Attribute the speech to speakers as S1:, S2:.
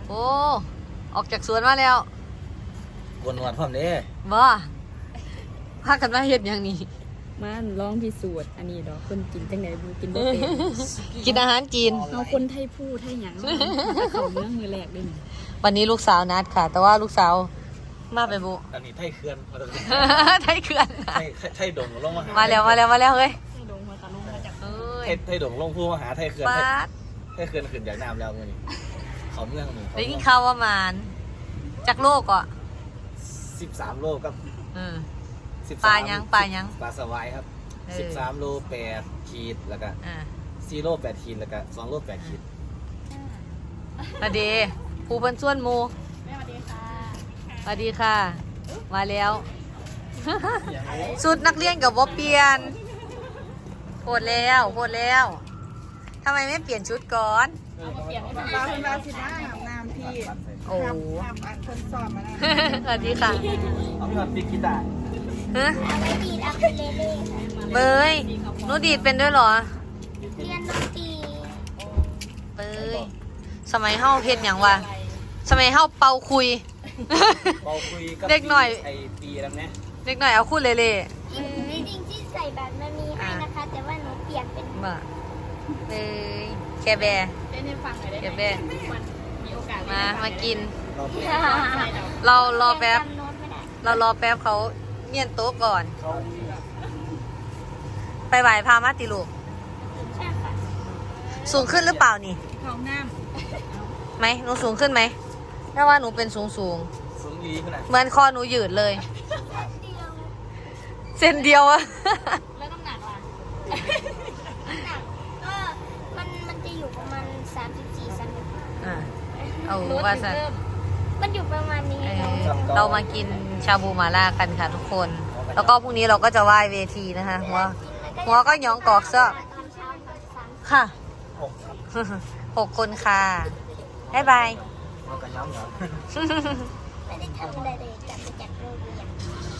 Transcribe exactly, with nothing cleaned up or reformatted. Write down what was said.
S1: โอ้ออกจากสวนมาแล้ว
S2: กวนหนวดพร้อมเด้
S1: บ่พากันมาเฮ็ดอย่างนี้
S3: มันลองพิสูจน์อันนี้ดอกคนกินจังได๋บ่กินบ่เป็น
S1: กินอาหารจีน
S3: เอาคนไทยพูดไทยหยังเข้าเมืองมือแรกเด้นี่
S1: วันนี้ลูกสาวนัดค่ะแต่ว่าลูกสาวมาไปบุ
S2: อันนี้ไทยเขื่อนมา
S1: ไทยเขื่อน
S2: ไทยไทยดงลงมาหา
S1: มาแล้วมาแล้วมาแล้วเฮ้ย
S3: ไทยดงหัวตาลงมาจากเอ้
S2: ยไทยดงลงผู้มาหาไทยเขื่อนไทยเขื่อนขึ้นจากน้ำแล้วมื้อนี้เขาเมืองนี่
S1: ได้กินข้าวประมาณจากโลกอ่ะ
S2: สิบสามโลกับ
S1: เออปลายังปลายัง
S2: ปลาสวายครับสิบสามโลแปดขีดแล้วก็สี่โลแปดขีดแล้วก็สองโลแปดขีด
S1: สวัสดีผู้เพิ่นส่วนหมู่
S3: สวัสดีค่ะ
S1: สวัสดีค่ะมาแล้วชุดนักเรียนกับบ่เปลี่ยนโหดแล้วโหดแล้วทำไมไม่เปลี่ยนชุดก่อน
S3: เอามาเปลี่ยนให้
S4: บาคุณบาสิบ้าอาบน้ำพี่
S1: โอ้
S4: ทำอันคนสอบมาแล้ว
S1: สวัสดีค่ะ
S2: เอาไปก่อนปิกกีตาร์
S1: ฮะ
S5: เอาไว้ดีดอะคูเลเล่
S1: เบยหนูดีดเป็นด้วยเหรอ
S5: เรียนดนตรี
S1: เบยสมัยเฮาเฮ็ดหยังวะสมัยเฮาเป่าคุย
S2: เป่าคุยกับ
S1: เด็กหน่อย
S2: ไอ้ปีแล้วนะ
S1: เด็กหน่อยเอาคู่เล่
S5: จริงๆที่ใส่แบบมันมีให้นะคะแต่ว่าหนูเปลี่ยนเป็น
S1: บ่เบยแคแบร์
S3: เล่นให้ฟังหน่อยได้ไหม
S1: แคแบร์
S3: มันมีโอกาส
S1: มามากิน
S2: เรา
S1: เรารอแป๊บเรารอแป๊บเขาเมียนโต๊ะก่อนไปไหวพามาติลูก
S5: ใช่ค่ะ
S1: สูงขึ้นหรือเปล่านี่
S3: ท้องน้
S1: ำไหมหนูสูงขึ้นไหมถ้าว่าหนูเป็นสูงสูง
S2: สูงยีขนาด
S1: เหมือนคอหนูยืดเลยเส้นเดียวอะ
S3: แล้วน้ำหนักล่ะ
S5: น้ำหนักก็มันมันจะอยู่ประมาณสามสิบสี่สามสิบห้า
S1: อ่าเอาว่าสัน
S5: มันอยู่ประมาณนี้
S1: เรามากินชาบูมาล่ากันค่ะทุกคนแล้วก็พรุ่งนี้เราก็จะไหว้เวทีนะคะหัวหัวก็หยองกอกซะค่ะหกคนค่ะบ๊ายบาย
S2: เอากันย้อมเหรอ
S5: ไม่ได้ทำอะไรเลยกลับไปจากโรงเรียน